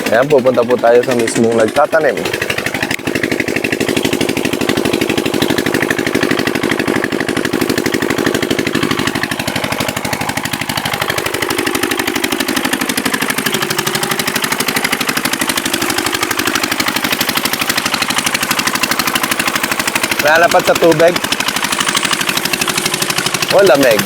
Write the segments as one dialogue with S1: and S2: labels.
S1: Ayan, pupunta po tayo sa mismong nagtatanim. Nalapat sa tubig. O lamig.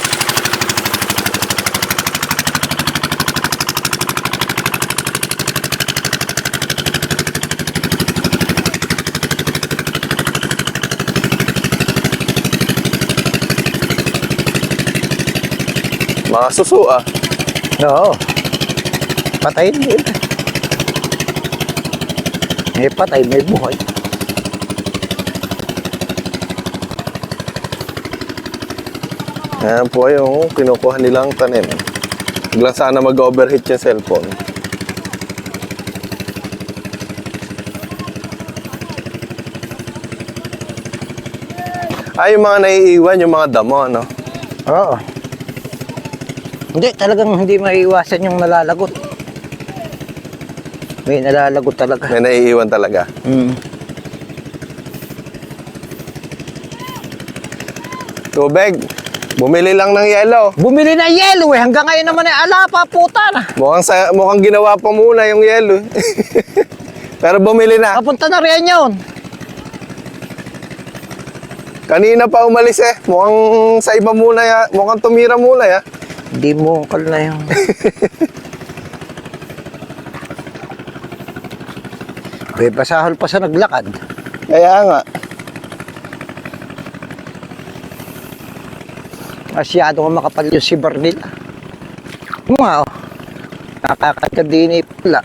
S1: Mga suso ah.
S2: Oo. Patayin din. May patay, may buhay.
S1: Ayan po yung kinukuha nilang tanim. Huwag lang sana mag-overheat yung cellphone. Ay, yung mga naiiwan, yung mga damo, ano?
S2: Oo. Hindi, talagang hindi maiiwasan yung nalalagot. May nalalagot talaga.
S1: May naiiwan talaga. Tubig. Bumili lang ng yelo.
S2: Bumili na yelo eh. Hanggang ngayon naman eh. Ala pa, puta na.
S1: Mukhang ginawa pa muna yung yelo. Pero bumili na.
S2: Papunta na rin yun.
S1: Kanina pa umalis eh. Mukhang sa iba muna ya. Mukhang tumira muna ya.
S2: Hindi mo kal na yun. May basahol pa sa naglakad.
S1: Kaya nga.
S2: Masyado kang makapal yung sibar nila. Mga oh. Nakakagkadini pala.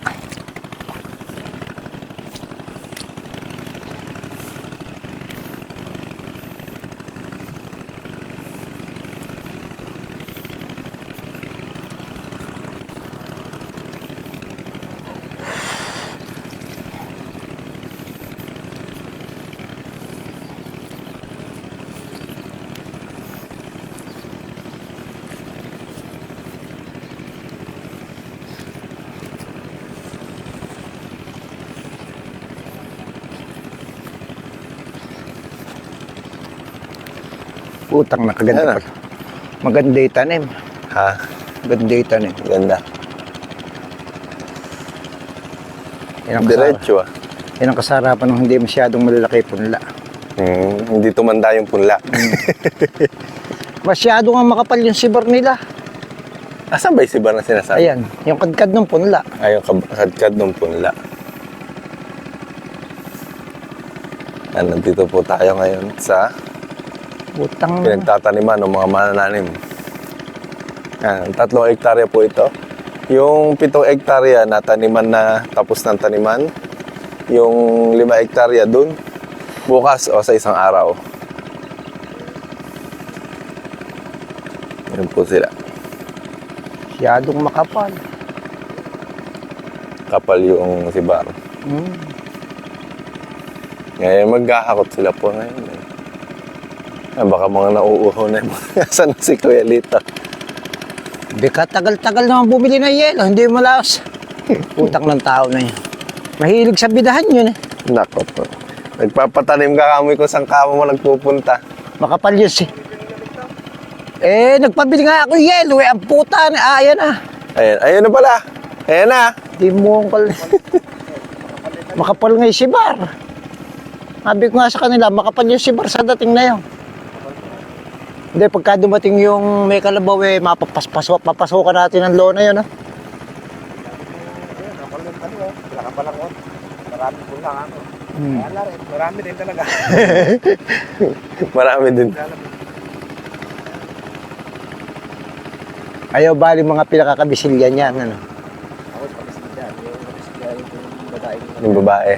S2: Utang na kaganda pala. Maganda yung tanim.
S1: Ha?
S2: Maganda yung tanim.
S1: Ganda. Diretso ah.
S2: Yan ang kasarapan ng hindi masyadong malalaki punla.
S1: Hindi tumanda yung punla.
S2: Masyado nga makapal yung sibar nila.
S1: Asan ba yung sibar na sinasabi?
S2: Ayan, yung kadkad ng punla.
S1: Ay, yung kadkad ng punla. Yan, nandito po tayo ngayon sa
S2: Utang na.
S1: pinagtataniman ng mga manananim. Yan, 3 hektarya po ito. Yung 7 hektarya na taniman na tapos ng taniman. Yung 5 hektarya dun, bukas o sa isang araw. Yan po sila.
S2: Masyadong makapal.
S1: Kapal yung sibar. Ngayon maghahakot sila po ngayon. Baka mga nauuho na yung saan si Kuya Lito.
S2: Bika tagal-tagal naman bumili ng yelo. Hindi malaos. Utang ng tao na yun. Mahilig sa bidahan yun eh.
S1: Nako po. Nagpapatanim ka kami kung saan kamo mo nagpupunta.
S2: Makapal yun si. Eh, nagpabili nga ako yelo eh. Ang puta na. Ayan na.
S1: Ayun na pala. Ayan na.
S2: Di mo kal. Makapal nga yung sibar. Sabi ko nga sa kanila, makapal yung sibar sa dating na yun. Hindi, pagka dumating yung may kalabaw eh, papasukan natin ang lona yun, ha?
S3: Marami po lang ako. Marami din talaga.
S1: Marami din.
S2: Ayaw bali mga pinakakabisilyan yan, ano?
S3: Ako sa kabisilyan. Yung kabisilyan yung babae.
S1: Yung babae.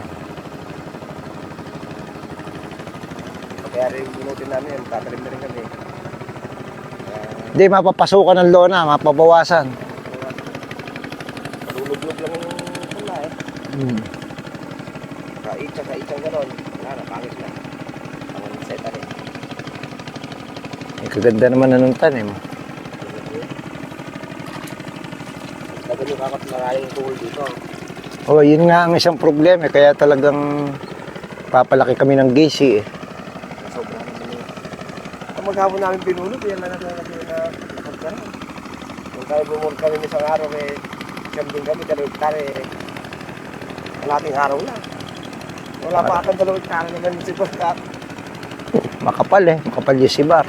S3: Kaya rin bunutin namin, tatalim na rin kami.
S2: Hindi, mapapasukan ng lona, mapabawasan.
S3: Maluluglog lang yung pula eh. Kaitsang gano'n. Wala na, pangit na. Ang seta rin.
S2: Eh, kaganda naman na nung tanim.
S3: Tagal yung kakot maraming tuhol dito.
S2: O, yun nga ang isang problema. Kaya talagang papalaki kami ng gisi eh.
S3: Sobrang naman yun. Ang maghapon namin pinulot, yan na natin na pagkara. Kung tayo bumulot kami isang araw, eh, siyam din kami, 2 hektare, eh, kalating araw lang. Wala pa akong 2 hektare naman yung sipagkat.
S2: Makapal eh. Makapal yung sibar.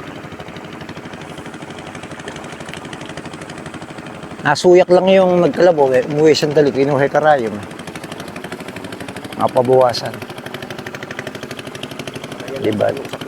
S2: Nasuyak lang yung nagkalabaw eh. Umuwi sandali. Kinuhay karayom. Mapabawasan. Diba?